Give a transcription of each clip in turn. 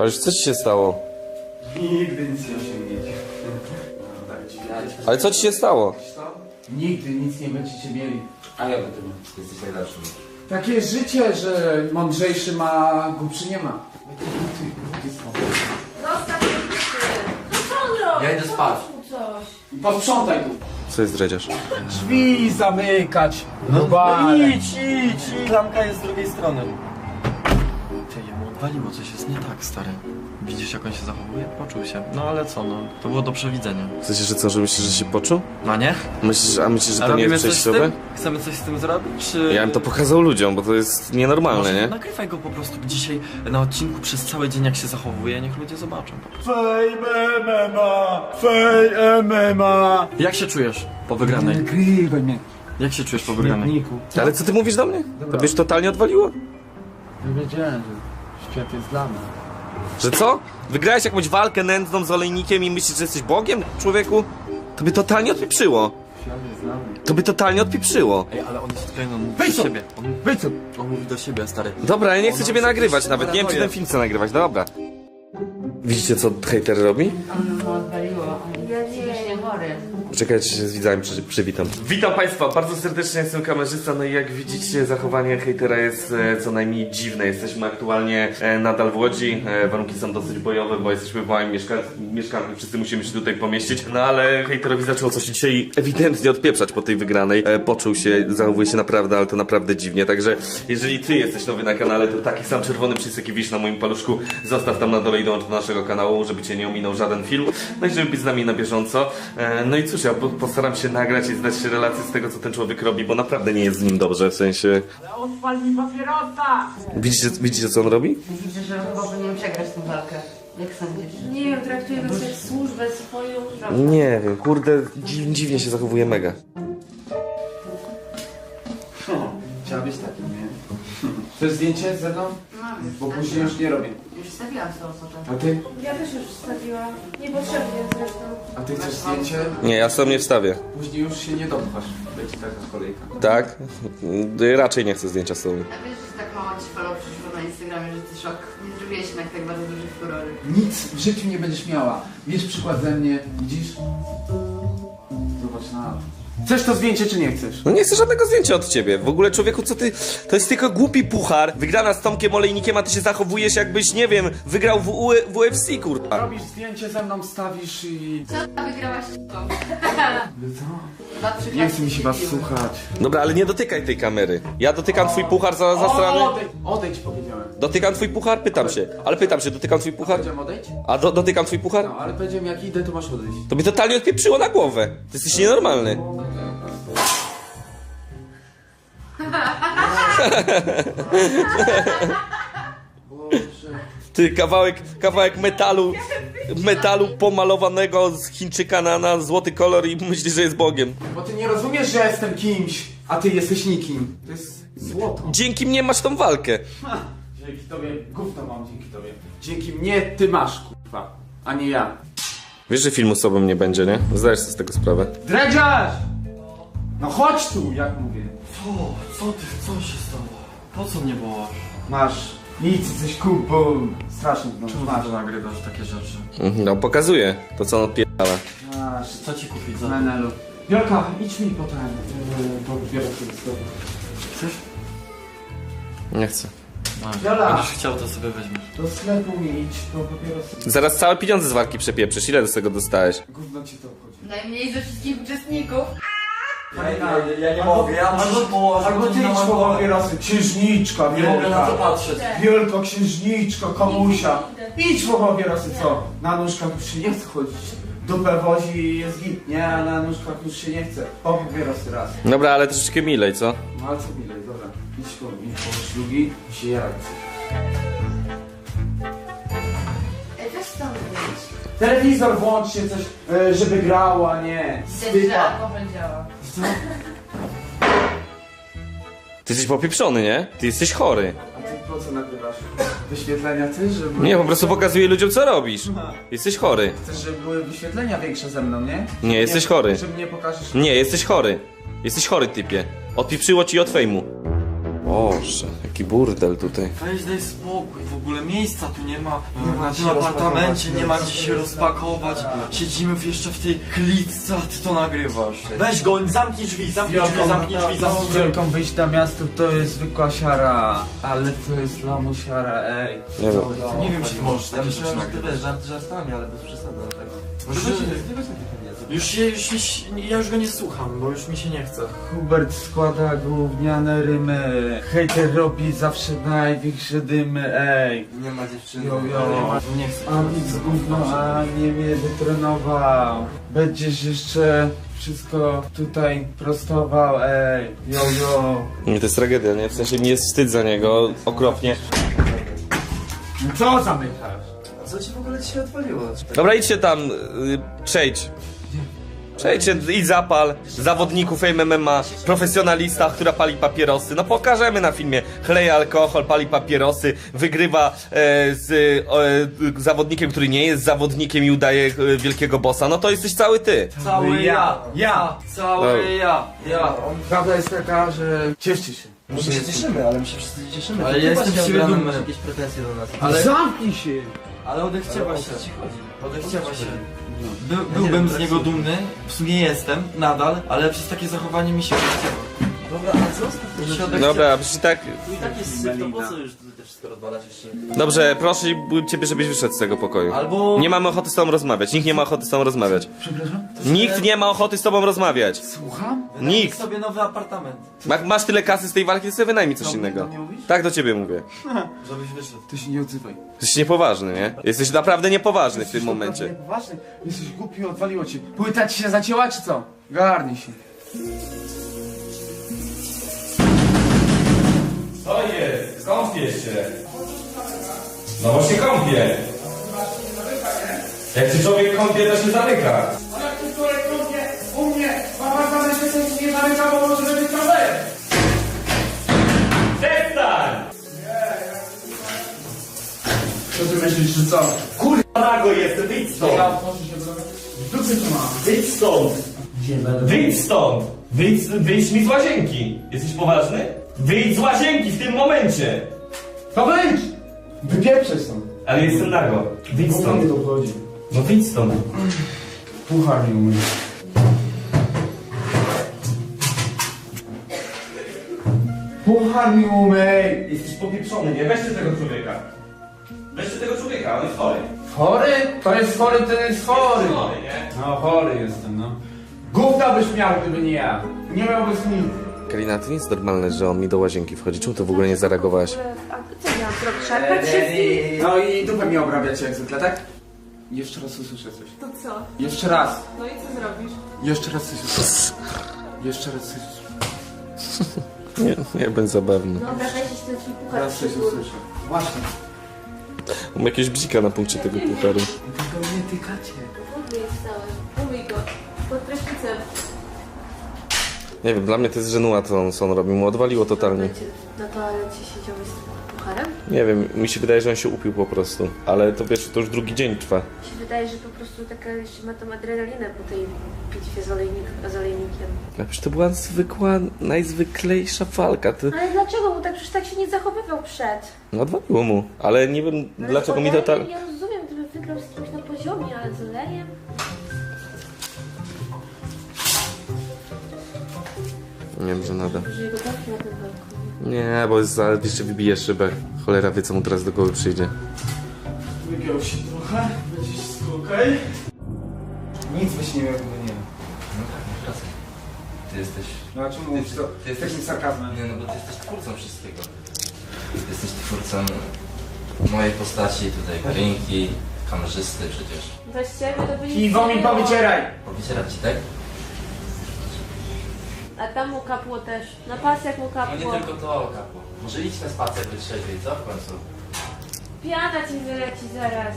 Patrz, co ci się stało? Nigdy nic nie osiągniecie. Ale co ci się stało? Nigdy nic nie będziecie mieli. A ja będę miał. Jesteś najlepszy. Takie jest życie, że mądrzejszy ma, głupszy nie ma. Zostaw mnie ty. No co on robi? Ja idę spać. Pomóż mu coś. Posprzątaj tu. Co jest dredziarz? Drzwi zamykać. No idź. Klamka jest z drugiej strony. Ty, jemu odwaliło, coś jest nie tak, stary. Widzisz, jak on się zachowuje? Poczuł się. No ale co, no, to było do przewidzenia. W sensie, że co, że myślisz, że się poczuł? No nie? Myślisz, że A to nie robimy jest coś z przejściowe? tym? Chcemy coś z tym zrobić, czy... Ja bym to pokazał ludziom, bo to jest nienormalne, Może nie? nagrywaj go po prostu dzisiaj na odcinku przez cały dzień, jak się zachowuje, niech ludzie zobaczą po prostu. Fame MMA! Fame MMA! Jak się czujesz po wygranej? Nagrywaj mnie. Jak się czujesz po wygranej? Niku. Ale co ty mówisz do mnie? To byś totalnie odwaliło? Nie wiedziałem, że świat jest dla mnie. Że co? Wygrałeś jakąś walkę nędzną z olejnikiem i myślisz, że jesteś Bogiem, człowieku? To by totalnie odpieprzyło. Świat jest dla mnie. To by totalnie odpieprzyło. Ej, ale on jest tutaj, on mówi Wejdź do tu! siebie. Wyjdź tu! On mówi do siebie, stary. Dobra, ja nie chcę Ona ciebie chce nagrywać coś nawet, nie wiem czy ten uratuje. film chce nagrywać, dobra. Widzicie co hejter robi? On mu odwaliło. On jest psychicznie chory. Czekajcie, się z widzami przywitam. Witam Państwa, bardzo serdecznie, jestem kamerzysta, no i jak widzicie zachowanie hejtera jest co najmniej dziwne. Jesteśmy aktualnie nadal w Łodzi, warunki są dosyć bojowe, bo jesteśmy w małym mieszkanku, wszyscy musimy się tutaj pomieścić, no ale hejterowi zaczęło coś dzisiaj ewidentnie odpieprzać po tej wygranej. Poczuł się, zachowuje się naprawdę, ale to naprawdę dziwnie, także jeżeli Ty jesteś nowy na kanale, to taki sam czerwony przycisk jaki widzisz na moim paluszku, zostaw tam na dole i dołącz do naszego kanału, żeby Cię nie ominął żaden film, no i żeby być z nami na bieżąco. No i cóż, ja postaram się nagrać i zdać się relację z tego, co ten człowiek robi, bo naprawdę nie jest z nim dobrze, w sensie... Ale odpal mi papierosa! Widzicie co on robi? Widzę, że chyba powinien przegrać tę walkę. Jak sądzisz? Nie wiem, traktuję nas jak służbę swoją. Nie wiem, kurde, dziwnie się zachowuje mega. Chciała być takim, nie? Chcesz zdjęcie ze mną? Mam już. Bo później już nie robię. Już wstawiłam tą osobę. A ty? Ja też już wstawiłam. Niepotrzebnie zresztą. A ty chcesz zdjęcie? Nie, ja sam nie wstawię. Później już się nie dopchasz. Będzie taka kolejka. Tak? Raczej nie chcę zdjęcia z tobą. A wiesz, że tak mało ci follow przyszło na Instagramie, że ty szok. Nie zrobiłeś jednak tak bardzo dużych furory. Nic w życiu nie będziesz miała. Bierz przykład ze mnie, widzisz? Zobacz na to. Chcesz to zdjęcie, czy nie chcesz? No nie chcę żadnego zdjęcia od ciebie. W ogóle człowieku, co ty... To jest tylko głupi puchar. Wygrana z Tomkiem Olejnikiem, a ty się zachowujesz jakbyś, nie wiem, wygrał w UFC, kurwa. Robisz zdjęcie ze mną, stawisz i... Co wygrałaś to? Co? Nie chce mi się was słuchać. Dobra, ale nie dotykaj tej kamery. Ja dotykam twój puchar za strony. Odejdź, powiedziałem. Dotykam twój puchar? Pytam się. Ale pytam się, dotykam twój puchar? Powiedziałem odejdź? A dotykam twój puchar? No, ale powiedziałem jak idę, to masz odejść. To mnie totalnie odpieprzyło na głowę. Ty jesteś nienormalny. Boże. Ty, kawałek metalu pomalowanego z Chińczyka na złoty kolor i myślisz, że jest Bogiem. Bo ty nie rozumiesz, że ja jestem kimś, a ty jesteś nikim. To jest złoto. Dzięki mnie masz tą walkę. Ha, dzięki tobie, gówno mam dzięki tobie. Dzięki mnie ty masz, kurwa, a nie ja. Wiesz, że filmu z sobą nie będzie, nie? Zdajesz sobie z tego sprawę. Dredziarz! No chodź tu, jak mówię. Co się stało? Po co mnie wołasz? Masz nic, jesteś kupą. Strasznie, no Czemu masz. ty nagrywasz takie rzeczy? No, pokazuję to, co on odpierdala. Masz, Co ci kupić za... Menelu. Wielka, idź mi potem, bo biorę sobie z tobą. Chcesz? Nie chcę. Masz. Jola! Będziesz chciał, to sobie weźmiesz. Do sklepu mi idź, bo papierosy. Zaraz całe pieniądze z walki przepieprzysz. Ile z tego dostałeś? Gówno ci to obchodzi. Najmniej ze wszystkich uczestników. Ja nie mogę, ja muszę położyć. Albo ty idź po papierosy. Księżniczka, Nie mogę na to wielka. patrzeć. Wielkoksiężniczko, komusia. Idź po papierosy, co? Na nóżkach już się nie chce chodzić. Dupę wozi i jest git, nie? A na nóżkach już się nie chce. Po papierosy raz. Dobra, ale troszeczkę milej, co? No ale co milej, dobra. Idź po szlugi i się jarać. Ej, weź tam wyjść. Telewizor włączcie coś, żeby grało, a nie. Widać, że alkohol działa. Ty jesteś popieprzony, nie? Ty jesteś chory. A ty po co nagrywasz? Wyświetlenia chcesz, żeby... Nie, po prostu pokazuję ludziom, co robisz. Jesteś chory. Chcesz, żeby były wyświetlenia większe ze mną, nie? Nie, jesteś chory. Że mnie pokażesz... Nie, jesteś chory. Jesteś chory, typie. Odpieprzyło ci od fejmu. Boże, jaki burdel tutaj. Weź daj spokój, w ogóle miejsca tu nie ma. Na tym apartamencie nie ma gdzie się rozpakować. Siedzimy jeszcze w tej klitce, a ty to nagrywasz. Weź go, zamknij drzwi, zamknij drzwi, zamknij drzwi, zamknij drzwi. Wielką wyjść na miasto to jest zwykła siara, ale to jest lamusiara, ej. Nie wiem. Nie wiem, czy ty możesz Ja takie myślałem, rzeczy że ty nagrywać. wiesz, żartami, ale bez przesady. Tak. Ja już go nie słucham, bo już mi się nie chce. Hubert składa gówniane rymy, hejter robi zawsze największe dymy, ej. Nie ma dziewczyny. Jo, jo. Nie chcę. A nic gówno, a nie mnie wytrenował. Będziesz jeszcze wszystko tutaj prostował, ej. Jo, jo. To jest tragedia, nie? W sensie mi jest wstyd za niego, okropnie. No co zamykasz? A co ci w ogóle dzisiaj odwaliło? Dobra, idźcie tam, przejdź. Przejdźcie, idź zapal zawodników MMA, profesjonalista, która pali papierosy. No pokażemy na filmie. Chleje alkohol, pali papierosy, wygrywa zawodnikiem, który nie jest zawodnikiem i udaje wielkiego bossa. No to jesteś cały ty. Cały ja. Cały ja. Prawda jest taka, że cieszcie się. My się cieszymy, ale my się wszyscy cieszymy. Ale To ty ja jestem właśnie z siebie od rana dumny. masz jakieś pretensje do nas. Ale- Zamknij się! Ale odechciewa się. Odechciewa się. nie Byłbym wiem, z niego dumny, w sumie jestem, nadal, ale przez takie zachowanie mi się odechciewa. Dobra, a co ostatnio? Dobra, przecież tak... Tu i tak jest syf, to po co już tutaj wszystko rozwalać jeszcze? Dobrze, proszę ciebie, żebyś wyszedł z tego pokoju. Albo... Nie mamy ochoty z tobą rozmawiać, nikt nie ma ochoty z tobą rozmawiać. Przepraszam? Nikt nie ma ochoty z tobą rozmawiać. Słucham? Wynajmij Nikt. sobie nowy apartament, Masz tyle kasy z tej walki, to sobie wynajmij coś innego. Do mnie mówisz? Tak do ciebie mówię. żebyś wyszedł. Ty się nie odzywaj. Jesteś niepoważny, nie? Jesteś naprawdę niepoważny w tym Jesteś momencie. naprawdę Poważny? Jesteś głupi, odwaliło cię. Płyta ci się zacięła, czy co? Garnij się. Co jest? Kąpię się. No właśnie kąpię. Jak się człowiek kąpie, to się zamyka. Ale jak ty człowiek kąpie u mnie, mama zamyka się nie zamyka, bo może być problem. Przestań! Co ty myślisz, czy co? Nago jestem, wyjdź stąd! Ja otworzę się do dupy tu mam. Wyjdź stąd! Wyjdź stąd! Wyjdź mi z łazienki! Jesteś poważny? Wyjdź z łazienki w tym momencie! To wyjdź! Wypieprzaj stąd. Ale jestem nago. Wyjdź Co mnie stąd. to obchodzi? No wyjdź stąd. Puchar mi umyj. Puchar mi umyj! Jesteś popieprzony, nie? Weźcie tego człowieka. Weźcie tego człowieka, on jest chory. Chory? To jest chory, to jest chory. nie? No chory jestem, no. Gówna byś miał, gdyby nie ja. Nie miałbyś nic. Karina, to nie jest normalne, że on mi do łazienki wchodzi. Czemu to w ogóle nie zareagowałaś? A co miałam zrobić? Szarpać się z nim? No i dupę mi obrabiacie jak zwykle, tak? Jeszcze raz usłyszę coś. To co? Jeszcze raz. No i co zrobisz? Jeszcze raz coś usłyszę. Jeszcze raz coś usłyszę. Nie będzie zabawny. Dobra, weź się ten twój puchar Teraz coś przybór. usłyszę. Właśnie. Mam jakiegoś bzika na punkcie tego pucharu. Tego nie tykacie. Umyj cały. Umyj go. Pod prysznicem. Nie wiem, dla mnie to jest żenuła, co on robi. Mu odwaliło totalnie. Na toalecie siedziałeś z pucharem? Nie wiem, mi się wydaje, że on się upił po prostu. Ale to wiesz, to już drugi dzień trwa. Mi się wydaje, że po prostu taka jeszcze ma tą adrenalinę po tej bitwie z olejnikiem. A przecież to była zwykła, najzwyklejsza walka. To... Ale dlaczego? Bo tak przecież tak się nie zachowywał przed. No odwaliło mu. Ale nie wiem, No dlaczego mi z olejem totalnie... Ja rozumiem, gdyby wygrał z kimś na poziomie, ale z olejem? Nie wiem, że nada. Że jego dawki na tym balkonie. Nie, bo jeszcze wybije szybę. Cholera wie, co mu teraz do głowy przyjdzie. Wygiął się trochę. Będzie wszystko okej? Nic byś nie miał, gdyby nie. No tak, masz rację. Ty jesteś... No a czemu mówisz to Ty z takim sarkazmem? Nie, no bo ty jesteś twórcą wszystkiego. Ty jesteś twórcą mojej postaci, tutaj Karinki, kamerzysty przecież. Bez ciebie to by nic Piwo nie mi było. powycieraj! Powycierać ci, tak? A tam mu kapło też. Na pasjach mu No kapło. nie tylko to, kapu. Może idź na spacer wytrzeźwiej, co w końcu? Piana ci wyleci zaraz.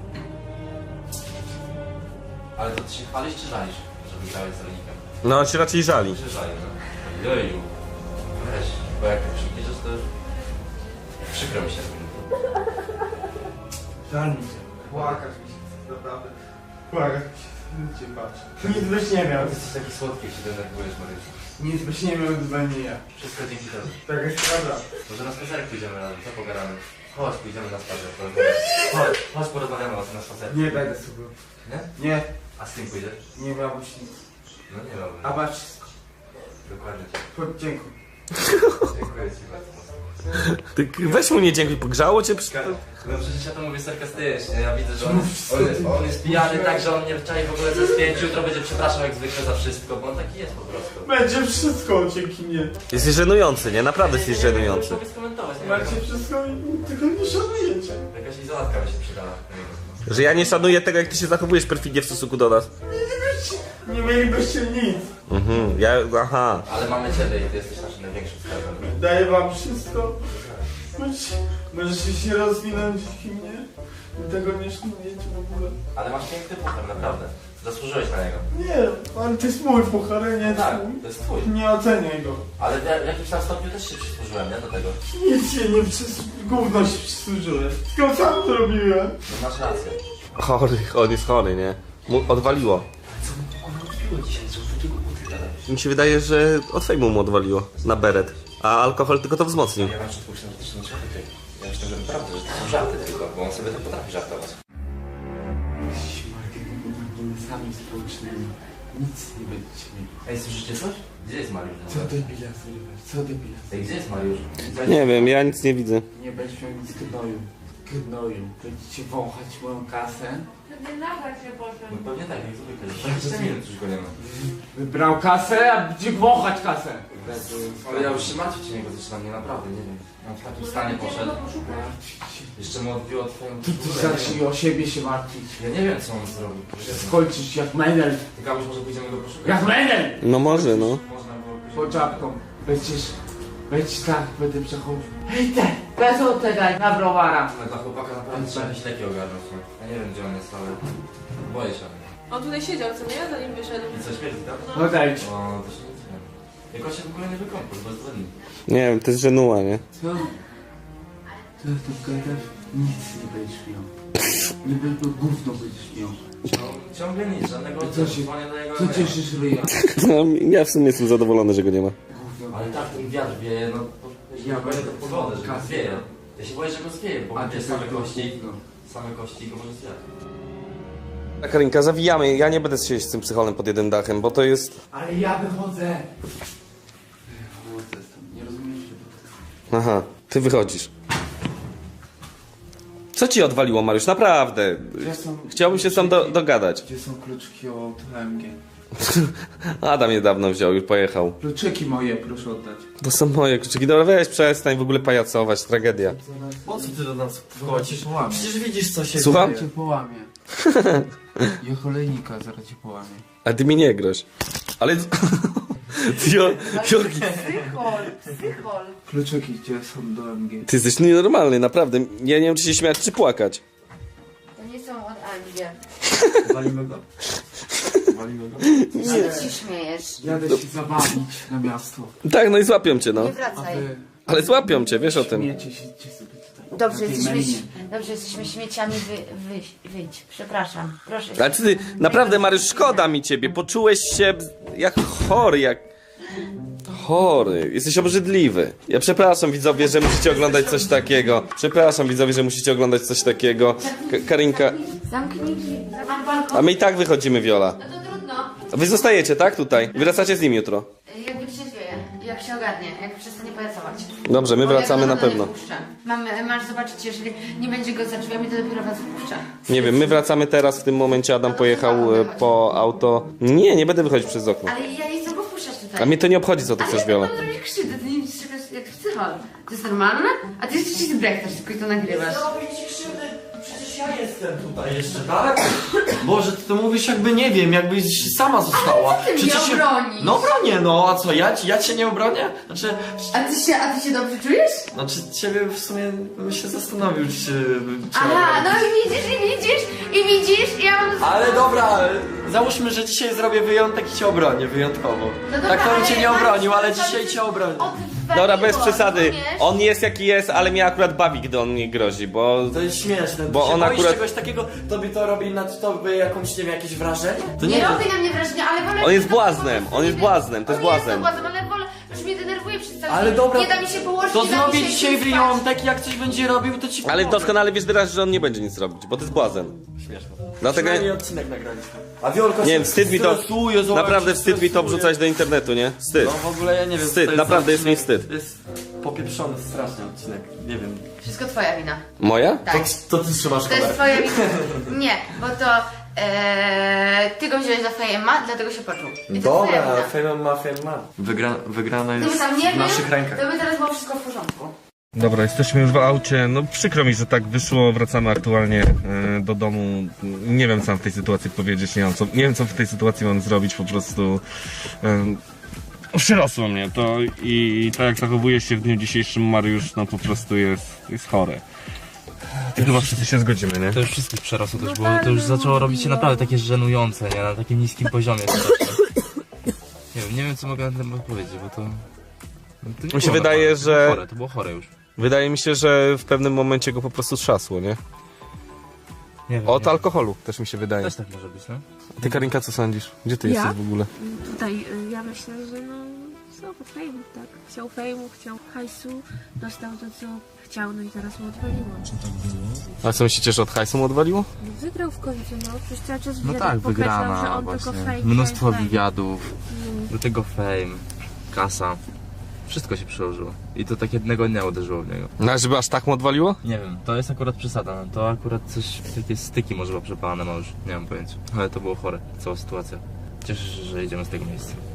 Ale to ty się chwalisz czy żalisz, że wygrałeś z rolnikiem? No, on się raczej żali. Się żali, no. Joju. Weź, bo jak tak przybliżysz, to przykro mi się. Żal mi się. Płakać mi się, naprawdę. Uwaga, cię patrzę. Nic byś nie miał. Jesteś taki słodki, jak się denerwujesz, Mariuszu. Nic byś nie miał, gdyby nie ja. Wszystko dzięki tobie. Tak jest prawda. Może na spacerek pójdziemy razem, co pogadamy? Chodź, pójdziemy na spacer. Chodź, porozmawiamy o tym na spacerku. Nie będę sobie. Nie? Nie, A z kim pójdziesz? nie miałbyś nic. No nie mam. A masz wszystko. Dokładnie. Dziękuję. Dziękuję ci bardzo. Ty weź mu nie dziękuj, pogrzało cię? No przecież ja to mówię sarkastycznie, ja widzę, że on jest pijany tak, że on nie czai w ogóle co jest pięć, jutro będzie przepraszał jak zwykle za wszystko, bo on taki jest po prostu. Będzie wszystko dzięki mnie. Jesteś żenujący, nie? Naprawdę jesteś żenujący. Mogę skomentować, nie Macie wiem. wszystko i tylko nie szanujecie. Jakaś izolatka by się przydała. Że ja nie szanuję tego, jak ty się zachowujesz perfidnie w stosunku do nas. Nie mielibyście nic. Aha. Ale mamy ciebie i ty jesteś naszym największym skarbem. Daję wam wszystko. Możecie się rozwinąć dzięki mnie. Wy tego nie szanujecie w ogóle. Ale masz piękny puchar, naprawdę. Zasłużyłeś na niego. Nie, ale to jest mój puchar, a nie Tak, twój. to jest twój. Nie oceniaj go. Ale w jakimś tam stopniu też się przysłużyłem, nie? Do tego. Nic się nie gówno się przysłużyłeś. Tylko sam to robiłem. No masz rację. Chory, on jest chory, nie? Mu odwaliło. Odpiło dzisiaj, co takiego utytala. Mi się wydaje, że od fejmu mu odwaliło. Na beret. A alkohol tylko to wzmocnił. Ja na początku myślałem, że to są żarty. Ja myślałem, że naprawdę, że to są żarty tylko, bo on sobie tak potrafi żartować. Sami społecznymi. Nic nie będziecie mieli. Ej, słyszycie coś? Gdzie jest Mariusz? Co debila zrywać? Co debila? Ej, gdzie jest Mariusz? Nie wiem, ja nic nie widzę. Nie będziesz miał nic gnoju. Gnoju. Będziecie wąchać moją kasę. Nie nagrać się No potem. pewnie tak, jak zwykle. 20 minut już go nie ma. Wybrał kasę, a będzie wąchać kasę. Ale ja już się martwić o niego zaczynam, nie naprawdę, nie wiem. On w takim stanie poszedł. Jeszcze mu odbiło twoją Ty zacznij o siebie się martwić. Ja nie wiem co on zrobił. Skończysz jak Menel. Tylko może pójdziemy go poszukać. Jak Menel! No może, no. Można było pójść. Pod czapką. Będziesz tak, będę przechodził. Hej te! Bezotę daj na browara. Ale dla chłopaka naprawdę trzeba jakieś leki ogarnąć. Nie? Ja nie wiem gdzie on jest, ale boję się. On tutaj siedział, co nie? Zanim wyszedł. I co, śmierdzi, tak? No dajcie. O, to się nic nie wiem. Jak on się w ogóle nie wykąpał, bez dwa dni. Nie wiem, to jest żenuła, nie? Co? Co tu gadasz? Nic nie będziesz miał. Nie będę gówno będziesz miał. No, ciągle nic, żadnego Co się- dzwonię do jego Co e-maila. cieszysz ryja? No, ja w sumie jestem zadowolony, że go nie ma. Gówno. Ale tak, ten wiatr wieje, no... Ja Ja boję będę tego pogodę, że go kasę. zwieje. Ja się boję, że go zwieje, bo A będzie ty same tylko kości. gówno. Same kości i go może zjadać. Tak, Karinka, zawijamy. Ja nie będę siedzieć z tym psycholem pod jednym dachem, bo to jest... Ale ja wychodzę. Wychodzę stąd. Nie rozumiesz, że... Aha, ty wychodzisz. Co ci odwaliło, Mariusz? Naprawdę. Gdzie są... Chciałbym się sam dogadać. Gdzie są kluczyki od AMG? Adam niedawno wziął, już pojechał. Kluczyki moje, proszę oddać. To są moje kluczyki. Dobra, weź, przestań w ogóle pajacować, tragedia. Po co ty do nas wchodzisz? Połamie. Przecież widzisz co się Słucham? dzieje. Cię połamie. Ja kolejnika zaraz cię połamie. A ty mi nie groź. Ale... Jorgi, Psychol. Kluczyki gdzie są do AMG? ty jesteś nienormalny, naprawdę. Ja nie wiem, czy się śmiać, czy płakać. To nie są od Angie. Walimy go? Walimy go? Co się śmiejesz? Jadę się zabawić na miasto. Tak, no i złapią cię, no. Nie A wracaj. wy... Ale złapią cię, wiesz o tym. Śmiecie się gdzie sobie tutaj. Dobrze, Na tej melinie. jesteśmy śmieciami, wyjdź. Przepraszam. Proszę. Ale ty, naprawdę, Mariusz, szkoda mi ciebie. Poczułeś się jak chory, jak... Chory. Jesteś obrzydliwy. Ja przepraszam, widzowie, że musicie oglądać coś takiego. Przepraszam, widzowie, że musicie oglądać coś takiego. Karinka... Zamknij drzwi. Mam balkon. A my i tak wychodzimy, Viola. No to trudno. A wy zostajecie, tak? Tutaj. Wracacie z nim jutro. Jak wytrzeźwieje, jak się ogarnie, jak przestanie pajacować. Dobrze, my Bo ja wracamy go na domu pewno. nie wpuszczę. Masz zobaczyć, jeżeli nie będzie go za drzwiami, to dopiero was wpuszczę. Nie wiem, my wracamy teraz, w tym momencie Adam pojechał po auto. Nie będę wychodzić przez okno. Ale ja nie chcę go wpuszczać tutaj. A mnie to nie obchodzi, co ty chcesz, Ale Viola. ja mam zrobić krzywdę, ty nie widzisz czegoś jak psychol. To jest normalne? A ty jeszcze się zbrechtasz, tylko i to nagrywasz. Przecież ja jestem tutaj jeszcze, tak? Boże, ty to mówisz jakby nie wiem, jakbyś sama została. ty mnie Przecież obronisz? No bronię, no, a co, ja cię nie obronię? Znaczy, A ty się dobrze czujesz? ciebie w sumie bym się zastanowił, czy Aha, no i widzisz, ja mam Ale dobra, załóżmy, że dzisiaj zrobię wyjątek i cię obronię, wyjątkowo. No dobra, Tak to bym ale cię nie mam obronił, ale przesady, dzisiaj cię obronię. Dobra, bez Odwaliło, przesady. rozumiesz? On jest jaki jest, ale mnie akurat bawi, gdy on mnie grozi, bo... To jest śmieszne, Bo ty się on boisz akurat- czegoś takiego, tobie to robi na tobie jakąś, nie wiem, jakieś wrażenie? To Nie wiem. robi na mnie wrażenia, ale wolę... On jest błaznem, on jest błaznem, to jest On błazem. błaznem, ale wolę... Już mnie denerwuje przez cały Ale dzień. dobra, Nie da mi się położyć, To nie da mi zrobię się dzisiaj spać. wyjątek, jak coś będzie robił, to ci Ale pomogę. doskonale wiesz teraz, że on nie będzie nic robić, bo to jest błazen. Śmieszne. Dlatego... Przynajmniej odcinek nagraliśmy. A Wiolka Nie się wiem, wstyd mi to... stresuje, zobacz, Naprawdę się wstyd mi to stresuje. wrzucać do internetu, nie? Wstyd. No w ogóle ja nie wiem. Wstyd, co to naprawdę jest mi odcinek. wstyd. Jest popieprzony strasznie odcinek, nie wiem. Wszystko twoja wina. Moja? Tak. To ty trzymasz To jest twoja wina. Nie, bo to... ty go wziąłeś za fejma, dlatego się poczuł. I to jest twoja wina. fame ma. Wygrana Gdyby jest tam nie w był, naszych rękach. to by teraz było wszystko w porządku. Dobra, jesteśmy już w aucie. No przykro mi, że tak wyszło. Wracamy aktualnie do domu. Nie wiem, co mam w tej sytuacji powiedzieć. Nie wiem, co w tej sytuacji mam zrobić. Po prostu przyrosło mnie to i tak jak zachowuje się w dniu dzisiejszym Mariusz, no po prostu jest chore. I chyba wszyscy się zgodzimy, nie? To już wszystkich przerosło też, bo to już zaczęło robić się naprawdę takie żenujące, nie? Na takim niskim poziomie. Nie wiem co mogę na ten temat powiedzieć, bo to... No, to nie Mi się było wydaje, naprawdę, że- To było chore już. Wydaje mi się, że w pewnym momencie go po prostu trzasło, nie? Nie wiem, Od nie. alkoholu też mi się wydaje. Też tak może być, no? Ty, Karinka, co sądzisz? Gdzie ty Ja? jesteś w ogóle? Tutaj ja myślę, że no znowu fejmu, tak. Chciał fejmu, chciał hajsu, dostał to co chciał, no i teraz mu odwaliło. A co myślicie, że od hajsu mu odwaliło? No wygrał w końcu, no przecież cały czas No wywiadach tak, podkreślał, że wygrana on tylko właśnie. fame, Mnóstwo fame, fame. wywiadów, No. do tego fame, kasa. Wszystko się przyłożyło. I to tak jednego dnia uderzyło w niego. No, a żeby aż tak mu odwaliło? Nie wiem, to jest akurat przesada. No, to akurat coś, takie styki może przepalane ma już. Nie mam pojęcia. Ale to było chore, cała sytuacja. Cieszę się, że idziemy z tego miejsca.